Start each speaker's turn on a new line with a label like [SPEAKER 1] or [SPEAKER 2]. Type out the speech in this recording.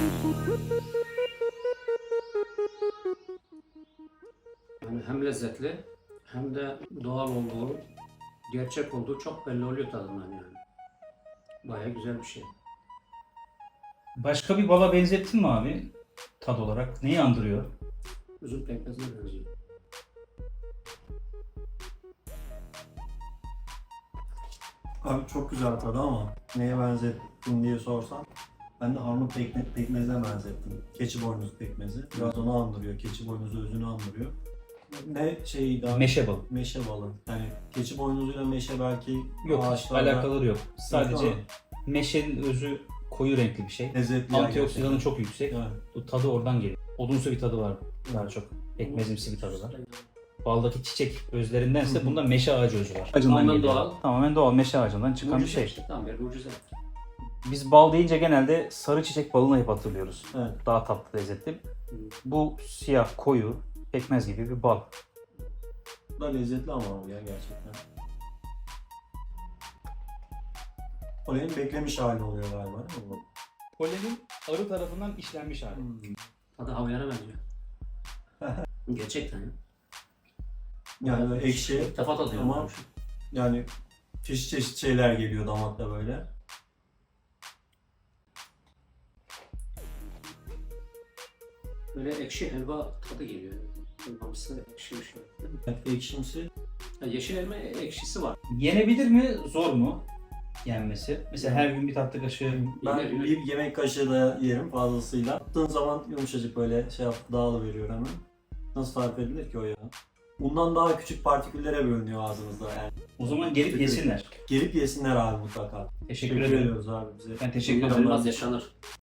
[SPEAKER 1] Yani hem lezzetli hem de doğal olduğu, gerçek olduğu çok belli oluyor tadından yani. Baya güzel bir şey.
[SPEAKER 2] Başka bir bala benzettin mi abi? Tad olarak. Neyi andırıyor?
[SPEAKER 1] Üzüm pekmezine benziyor.
[SPEAKER 3] Abi çok güzel tadı ama neye benzettin diye sorsan ben de armut pekmezine benzettim. Keçi boynuzu pekmezi. Biraz onu andırıyor. Keçi boynuzu özünü andırıyor. Ne şey daha
[SPEAKER 2] Meşe balı.
[SPEAKER 3] meşe balı. Yani keçi boynuzuyla meşe belki
[SPEAKER 2] Yok, hiç
[SPEAKER 3] ağaçlarda
[SPEAKER 2] alakaları yok. Sadece
[SPEAKER 3] ama
[SPEAKER 2] meşenin özü koyu renkli bir şey.
[SPEAKER 3] lezzetli.
[SPEAKER 2] Antioksidanı
[SPEAKER 3] gerçekten.
[SPEAKER 2] çok yüksek.
[SPEAKER 3] Evet.
[SPEAKER 2] Bu tadı oradan geliyor. Odunsu bir tadı var daha çok. Pekmezimsi bir tadı var. Baldaki çiçek özlerindense
[SPEAKER 3] Hı hı.
[SPEAKER 2] bunda meşe ağacı özü var.
[SPEAKER 1] Tamamen doğal.
[SPEAKER 2] Tamamen doğal meşe ağacından çıkan bir
[SPEAKER 1] Mucize
[SPEAKER 2] şey.
[SPEAKER 1] işte, tam bir mucize.
[SPEAKER 2] Biz bal deyince genelde sarı çiçek balını hep hatırlıyoruz.
[SPEAKER 3] Evet.
[SPEAKER 2] Daha tatlı, lezzetli. Bu siyah, koyu, pekmez gibi bir bal.
[SPEAKER 3] Bu da lezzetli ama bu ya gerçekten. Polenin beklemiş hali oluyor galiba değil mi bu?
[SPEAKER 2] Polenin arı tarafından işlenmiş hali.
[SPEAKER 1] Tadı havyara benziyor. Gerçekten ya.
[SPEAKER 3] Yani böyle ekşi
[SPEAKER 1] İlk defa tadıyorum.
[SPEAKER 3] ama yani çeşit çeşit şeyler geliyor damakta böyle.
[SPEAKER 1] Böyle ekşi helva tadı geliyor. Helvamsı ekşi bir şey. Değil mi?
[SPEAKER 3] Evet, ekşimsi.
[SPEAKER 1] Ya yeşil elma ekşisi var.
[SPEAKER 2] Yenebilir mi? Zor mu? Yenmesi. Mesela her gün bir tatlı kaşığı.
[SPEAKER 3] Ben
[SPEAKER 1] Yenir.
[SPEAKER 3] bir yemek kaşığı da yerim fazlasıyla. Attığın zaman yumuşacık böyle şey yap, dağılıveriyor hemen. Nasıl tarif edilir ki o ya? Bundan daha küçük partiküllere bölünüyor ağzınızda yani.
[SPEAKER 2] O zaman gelip yesinler.
[SPEAKER 3] Gelip yesinler abi mutlaka.
[SPEAKER 2] Teşekkür ederim.
[SPEAKER 3] ediyoruz abi bize.
[SPEAKER 2] Ben teşekkür ederim.
[SPEAKER 1] Bunlar biraz yaşanır.